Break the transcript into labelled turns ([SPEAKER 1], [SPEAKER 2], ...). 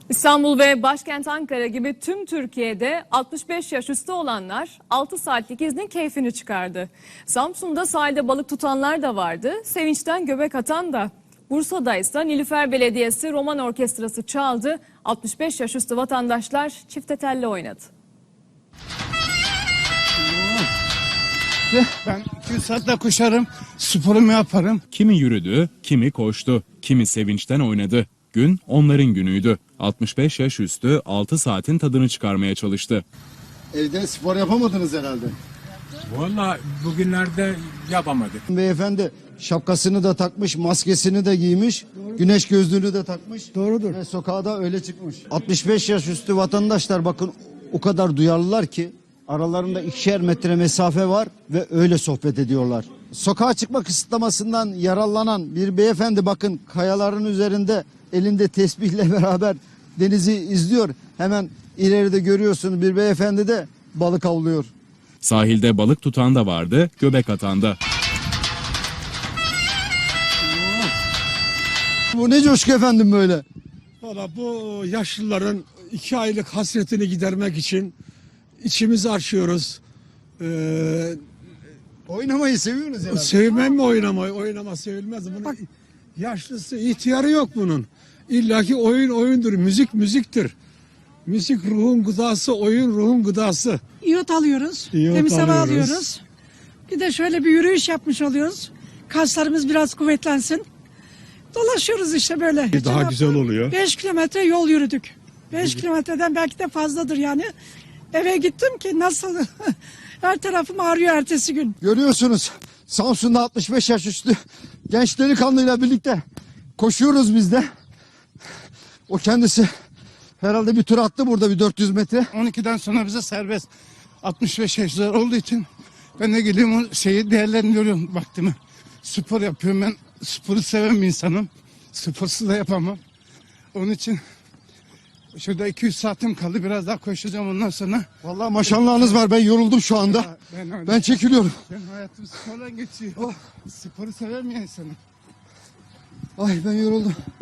[SPEAKER 1] İstanbul ve başkent Ankara gibi tüm Türkiye'de 65 yaş üstü olanlar 6 saatlik iznin keyfini çıkardı. Samsun'da sahilde balık tutanlar da vardı, sevinçten göbek atan da. Bursa'da ise Nilüfer Belediyesi Roman Orkestrası çaldı, 65 yaş üstü vatandaşlar çifte telli oynadı.
[SPEAKER 2] Ben 2 saatte koşarım, sporumu yaparım.
[SPEAKER 3] Kimi yürüdü, kimi koştu, kimi sevinçten oynadı. Gün onların günüydü. 65 yaş üstü 6 saatin tadını çıkarmaya çalıştı.
[SPEAKER 4] Evde spor yapamadınız herhalde.
[SPEAKER 5] Vallahi bugünlerde yapamadık.
[SPEAKER 4] Beyefendi şapkasını da takmış, maskesini de giymiş, güneş gözlüğünü de takmış.
[SPEAKER 6] Doğrudur.
[SPEAKER 4] Ve sokağa da öyle çıkmış. 65 yaş üstü vatandaşlar bakın o kadar duyarlılar ki aralarında 2'şer metre mesafe var ve öyle sohbet ediyorlar. Sokağa çıkma kısıtlamasından yararlanan bir beyefendi bakın kayaların üzerinde elinde tesbihle beraber denizi izliyor. Hemen ileride görüyorsunuz bir beyefendi de balık avlıyor.
[SPEAKER 3] Sahilde balık tutan da vardı, göbek atan da.
[SPEAKER 4] Bu ne coşku efendim böyle?
[SPEAKER 6] Valla bu yaşlıların 2 aylık hasretini gidermek için içimizi açıyoruz.
[SPEAKER 4] Oynamayı seviyorsunuz herhalde.
[SPEAKER 6] Sevmem mi oynamayı? Oynama sevilmez. Bunun yaşlısı, ihtiyarı yok bunun. İlla ki oyun oyundur, müzik müziktir. Müzik ruhun gıdası, oyun ruhun gıdası.
[SPEAKER 7] İyot alıyoruz,
[SPEAKER 6] İyot
[SPEAKER 7] temiz hava
[SPEAKER 6] alıyoruz.
[SPEAKER 7] alıyoruz. Bir de şöyle bir yürüyüş yapmış oluyoruz. Kaslarımız biraz kuvvetlensin. Dolaşıyoruz işte böyle.
[SPEAKER 6] Daha güzel oluyor.
[SPEAKER 7] 5 kilometre yol yürüdük. 5 kilometreden belki de fazladır yani. Eve gittim ki nasıl her tarafım ağrıyor ertesi gün.
[SPEAKER 4] Görüyorsunuz Samsun'da 65 yaş üstü genç delikanlıyla birlikte koşuyoruz biz de. O kendisi herhalde bir tur attı burada bir 400 metre.
[SPEAKER 2] 12'den sonra bize serbest. 65 yaşlar olduğu için ben de geliyorum o şeyi değerlendiriyorum vaktimi. Spor yapıyorum ben. Sporu seven bir insanım. Sporsuz da yapamam. Onun için şurada 200 saatim kaldı. Biraz daha koşacağım ondan sonra.
[SPEAKER 4] Vallahi maşallahınız var ben yoruldum şu anda. Ben çekiliyorum.
[SPEAKER 2] Ben hayatım sporla geçiyor. Sporu seven bir insanım.
[SPEAKER 4] Ay ben yoruldum.